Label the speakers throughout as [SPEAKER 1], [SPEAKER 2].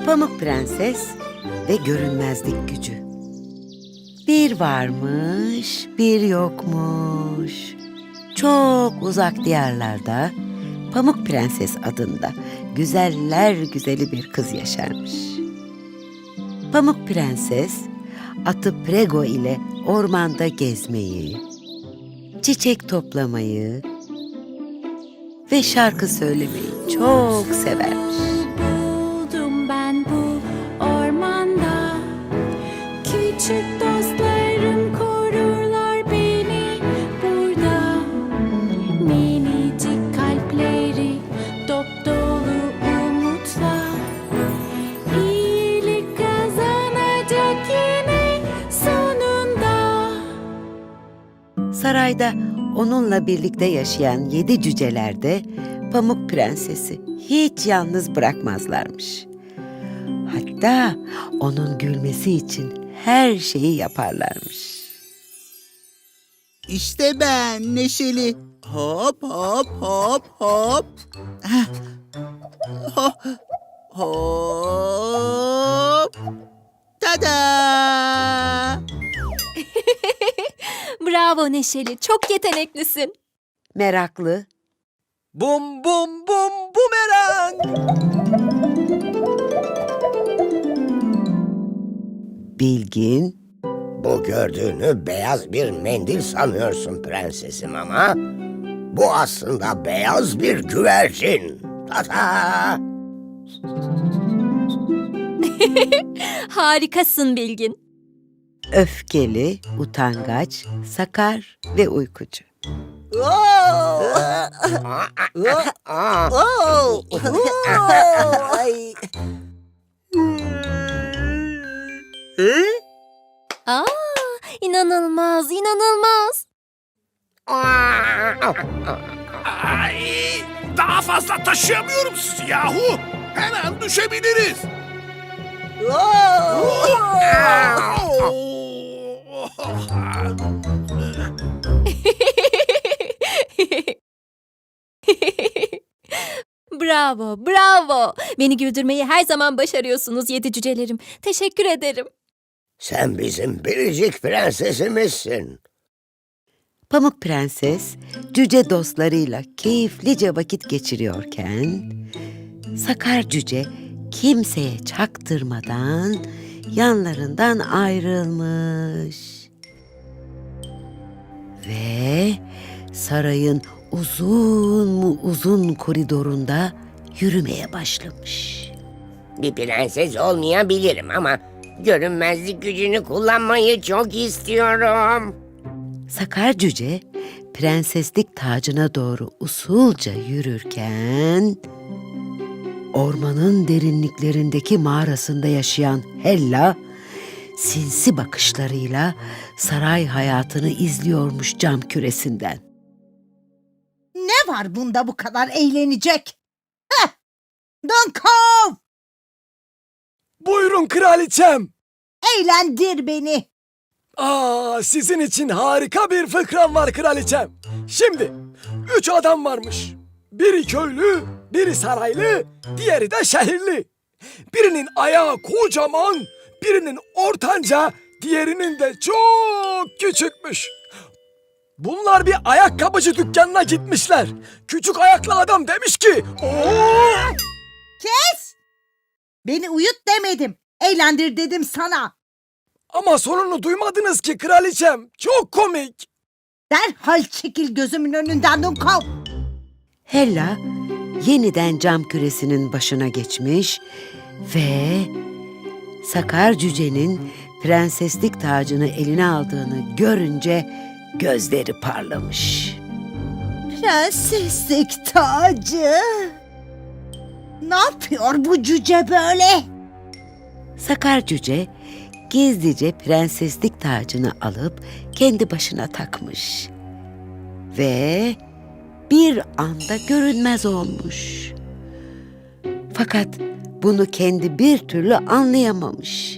[SPEAKER 1] Pamuk Prenses ve görünmezlik gücü. Bir varmış, bir yokmuş. Çok uzak diyarlarda Pamuk Prenses adında güzeller güzeli bir kız yaşarmış. Pamuk Prenses, atı Prego ile ormanda gezmeyi, çiçek toplamayı ve şarkı söylemeyi çok severmiş.
[SPEAKER 2] Buldum ben bu ormanda. Küçük dostlarım korurlar beni burada. Minicik kalpleri dop dolu umutla. İyilik kazanacak yine sonunda.
[SPEAKER 1] Sarayda onunla birlikte yaşayan 7 cüceler de Pamuk Prenses'i hiç yalnız bırakmazlarmış. Hatta onun gülmesi için her şeyi yaparlarmış.
[SPEAKER 3] İşte ben Neşeli. Hop hop hop hop. Heh. Hop. Hop. Tada!
[SPEAKER 2] Bravo Neşeli, çok yeteneklisin.
[SPEAKER 1] Meraklı,
[SPEAKER 3] Bum bum bum bumerang.
[SPEAKER 1] bilgin,
[SPEAKER 4] Bu gördüğünü beyaz bir mendil sanıyorsun prensesim ama bu aslında beyaz bir güvercin. Tata!
[SPEAKER 2] Harikasın Bilgin.
[SPEAKER 1] öfkeli, utangaç, sakar ve uykucu.
[SPEAKER 3] Ay.
[SPEAKER 2] Aa, inanılmaz, inanılmaz.
[SPEAKER 5] Ay, daha fazla taşıyamıyorum sizi yahu. Hemen düşebiliriz.
[SPEAKER 2] Bravo, bravo. Beni güldürmeyi her zaman başarıyorsunuz yedi cücelerim. Teşekkür ederim.
[SPEAKER 4] Sen bizim biricik prensesimizsin.
[SPEAKER 1] Pamuk Prenses, cüce dostlarıyla keyiflice vakit geçiriyorken, Sakar Cüce kimseye çaktırmadan yanlarından ayrılmış. Ve sarayın uzun mu uzun koridorunda yürümeye başlamış.
[SPEAKER 4] Bir prenses olmayabilirim ama görünmezlik gücünü kullanmayı çok istiyorum.
[SPEAKER 1] Sakar Cüce, prenseslik tacına doğru usulca yürürken, ormanın derinliklerindeki mağarasında yaşayan Hella, sinsi bakışlarıyla saray hayatını izliyormuş cam küresinden.
[SPEAKER 6] Ne var bunda bu kadar eğlenecek? Heh! Dunkov!
[SPEAKER 7] Buyurun kraliçem.
[SPEAKER 6] Eğlendir beni.
[SPEAKER 7] Sizin için harika bir fıkram var kraliçem. Şimdi 3 adam varmış. Biri köylü, biri saraylı, diğeri de şehirli. Birinin ayağı kocaman, birinin ortanca, diğerinin de çok küçükmüş. Bunlar bir ayakkabıcı dükkanına gitmişler. Küçük ayaklı adam demiş ki, "Oo!"
[SPEAKER 6] Kes! Beni uyut demedim. Eğlendir dedim sana.
[SPEAKER 7] Ama sonunu duymadınız ki kraliçem. Çok komik.
[SPEAKER 6] Derhal çekil gözümün önünden Dunkov.
[SPEAKER 1] Hella yeniden cam küresinin başına geçmiş ve Sakar Cüce'nin prenseslik tacını eline aldığını görünce gözleri parlamış.
[SPEAKER 6] Prenseslik tacı. Ne yapıyor bu cüce böyle?
[SPEAKER 1] Sakar Cüce gizlice prenseslik tacını alıp kendi başına takmış ve bir anda görünmez olmuş. Fakat bunu kendi bir türlü anlayamamış.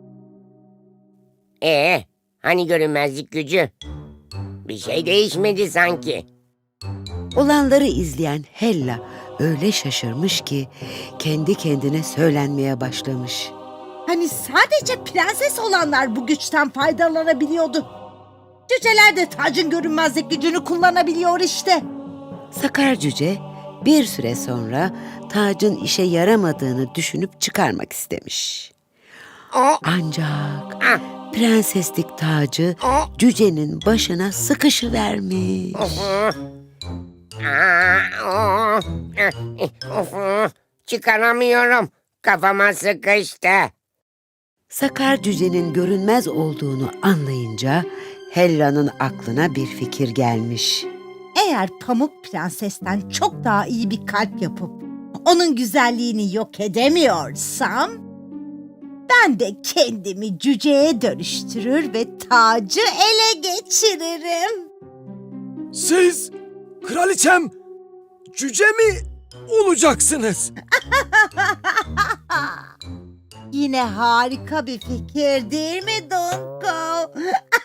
[SPEAKER 4] Hani görünmezlik gücü? Bir şey değişmedi sanki.
[SPEAKER 1] Olanları izleyen Hella öyle şaşırmış ki kendi kendine söylenmeye başlamış.
[SPEAKER 6] Hani sadece prenses olanlar bu güçten faydalanabiliyordu. Cüceler de tacın görünmezlik gücünü kullanabiliyor işte.
[SPEAKER 1] Sakar cüce bir süre sonra tacın işe yaramadığını düşünüp çıkarmak istemiş.
[SPEAKER 4] O,
[SPEAKER 1] Ancak
[SPEAKER 4] ah,
[SPEAKER 1] prenseslik tacı
[SPEAKER 4] o,
[SPEAKER 1] cücenin başına sıkışıvermiş.
[SPEAKER 4] çıkaramıyorum. Kafama sıkıştı.
[SPEAKER 1] Sakar cücenin görünmez olduğunu anlayınca Hella'nın aklına bir fikir gelmiş.
[SPEAKER 6] Eğer Pamuk Prenses'ten çok daha iyi bir kalp yapıp onun güzelliğini yok edemiyorsam, ben de kendimi cüceye dönüştürür ve tacı ele geçiririm.
[SPEAKER 7] Siz kraliçem cüce mi olacaksınız?
[SPEAKER 6] Yine harika bir fikir değil mi Dunko?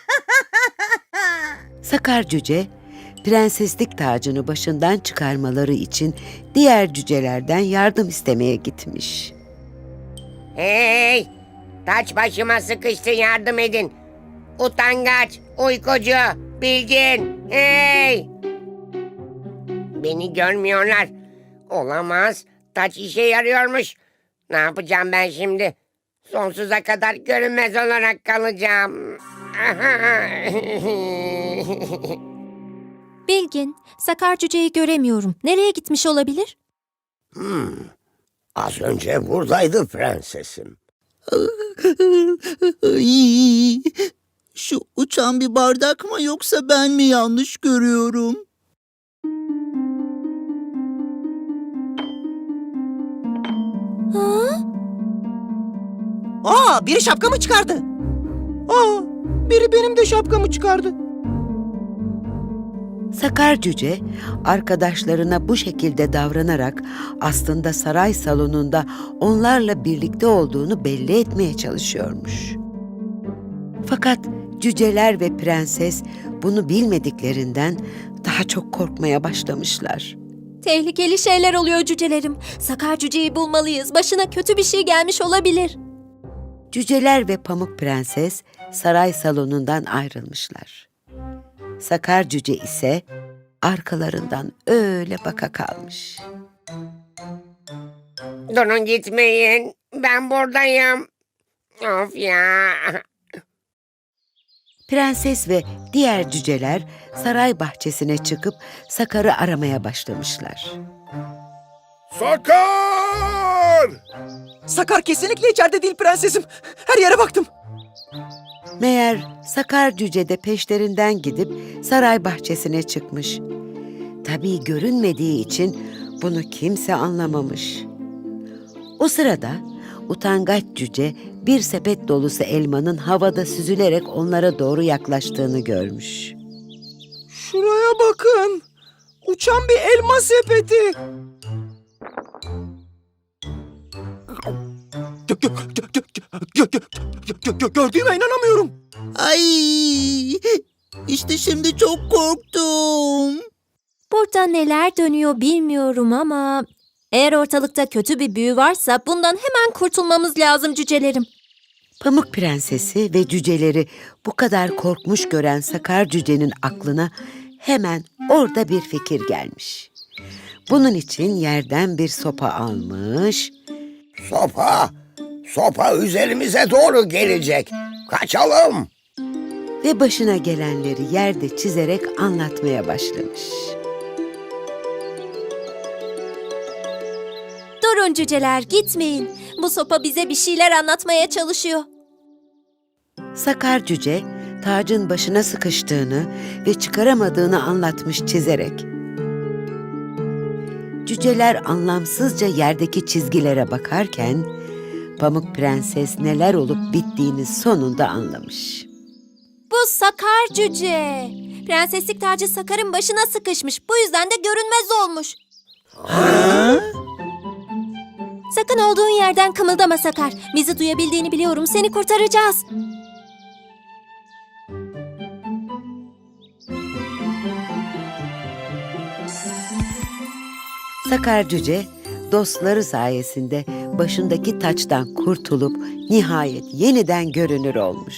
[SPEAKER 1] Sakar cüce prenseslik tacını başından çıkarmaları için diğer cücelerden yardım istemeye gitmiş.
[SPEAKER 4] Hey! Taç başıma sıkıştı, yardım edin. Utangaç, uykucu, bilgin. Hey! Beni görmüyorlar. Olamaz. Taç işe yarıyormuş. Ne yapacağım ben şimdi? Sonsuza kadar görünmez olarak kalacağım.
[SPEAKER 2] Bilgin, Sakar cüceyi göremiyorum. Nereye gitmiş olabilir?
[SPEAKER 4] Az önce buradaydı prensesim.
[SPEAKER 3] Ay, şu uçan bir bardak mı yoksa ben mi yanlış görüyorum?
[SPEAKER 8] Aa, biri şapkamı çıkardı. Aa, biri benim de şapkamı çıkardı.
[SPEAKER 1] Sakar cüce arkadaşlarına bu şekilde davranarak aslında saray salonunda onlarla birlikte olduğunu belli etmeye çalışıyormuş. Fakat cüceler ve prenses bunu bilmediklerinden daha çok korkmaya başlamışlar.
[SPEAKER 2] Tehlikeli şeyler oluyor cücelerim. Sakar cüceyi bulmalıyız. Başına kötü bir şey gelmiş olabilir.
[SPEAKER 1] Cüceler ve Pamuk Prenses saray salonundan ayrılmışlar. Sakar cüce ise arkalarından öyle baka kalmış.
[SPEAKER 4] Durun, gitmeyin. Ben buradayım. Of ya.
[SPEAKER 1] Prenses ve diğer cüceler saray bahçesine çıkıp Sakar'ı aramaya başlamışlar.
[SPEAKER 5] Sakar!
[SPEAKER 8] Sakar kesinlikle içeride değil prensesim. Her yere baktım.
[SPEAKER 1] Meğer Sakar cüce de peşlerinden gidip saray bahçesine çıkmış. Tabii görünmediği için bunu kimse anlamamış. O sırada utangaç cüce bir sepet dolusu elmanın havada süzülerek onlara doğru yaklaştığını görmüş.
[SPEAKER 8] Şuraya bakın. Uçan bir elma sepeti. Gördüğüme inanamıyorum.
[SPEAKER 3] Ay, işte şimdi çok korktum.
[SPEAKER 2] Burada neler dönüyor bilmiyorum ama eğer ortalıkta kötü bir büyü varsa bundan hemen kurtulmamız lazım cücelerim.
[SPEAKER 1] Pamuk Prensesi ve cüceleri bu kadar korkmuş gören Sakar cücenin aklına hemen orada bir fikir gelmiş. Bunun için yerden bir sopa almış
[SPEAKER 4] Sopa! Sopa üzerimize doğru gelecek. Kaçalım.
[SPEAKER 1] ve başına gelenleri yerde çizerek anlatmaya başlamış.
[SPEAKER 2] Durun cüceler, gitmeyin. Bu sopa bize bir şeyler anlatmaya çalışıyor.
[SPEAKER 1] Sakar cüce tacın başına sıkıştığını ve çıkaramadığını anlatmış çizerek. Cüceler anlamsızca yerdeki çizgilere bakarken Pamuk Prenses neler olup bittiğini sonunda anlamış.
[SPEAKER 2] Bu Sakar cüce. Prenseslik tacı Sakar'ın başına sıkışmış. Bu yüzden de görünmez olmuş. Sakın olduğun yerden kımıldama Sakar. Bizi duyabildiğini biliyorum. Seni kurtaracağız.
[SPEAKER 1] Sakar Cüce dostları sayesinde başındaki taçtan kurtulup nihayet yeniden görünür olmuş.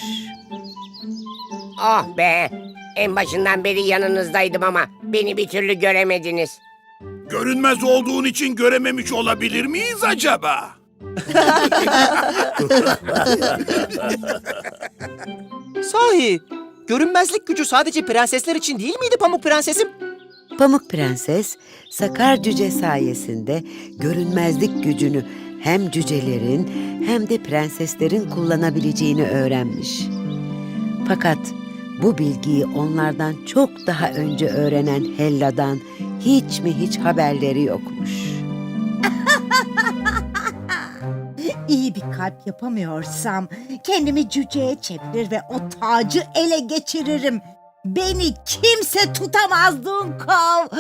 [SPEAKER 4] Oh be! En başından beri yanınızdaydım ama beni bir türlü göremediniz.
[SPEAKER 5] Görünmez olduğun için görememiş olabilir miyiz acaba?
[SPEAKER 8] Sahi, görünmezlik gücü sadece prensesler için değil miydi Pamuk Prensesim?
[SPEAKER 1] Pamuk Prenses, Sakar Cüce sayesinde görünmezlik gücünü hem cücelerin hem de prenseslerin kullanabileceğini öğrenmiş. Fakat bu bilgiyi onlardan çok daha önce öğrenen Hella'dan hiç haberleri yokmuş.
[SPEAKER 6] İyi bir kalp yapamıyorsam kendimi cüceye çevirir ve o tacı ele geçiririm. Beni kimse tutamaz Dunkov.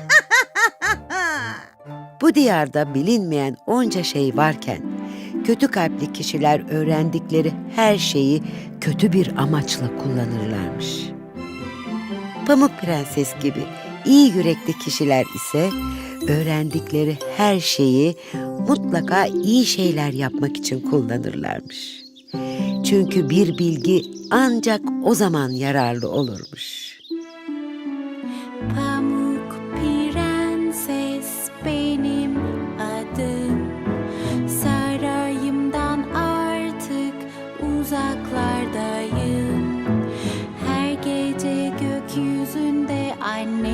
[SPEAKER 1] Bu diyarda bilinmeyen onca şey varken, kötü kalpli kişiler öğrendikleri her şeyi kötü bir amaçla kullanırlarmış. Pamuk Prenses gibi iyi yürekli kişiler ise öğrendikleri her şeyi mutlaka iyi şeyler yapmak için kullanırlarmış. Çünkü bir bilgi ancak o zaman yararlı olurmuş.
[SPEAKER 9] Pamuk Prenses benim adım. Sarayımdan artık uzaklardayım. Her gece gökyüzünde anne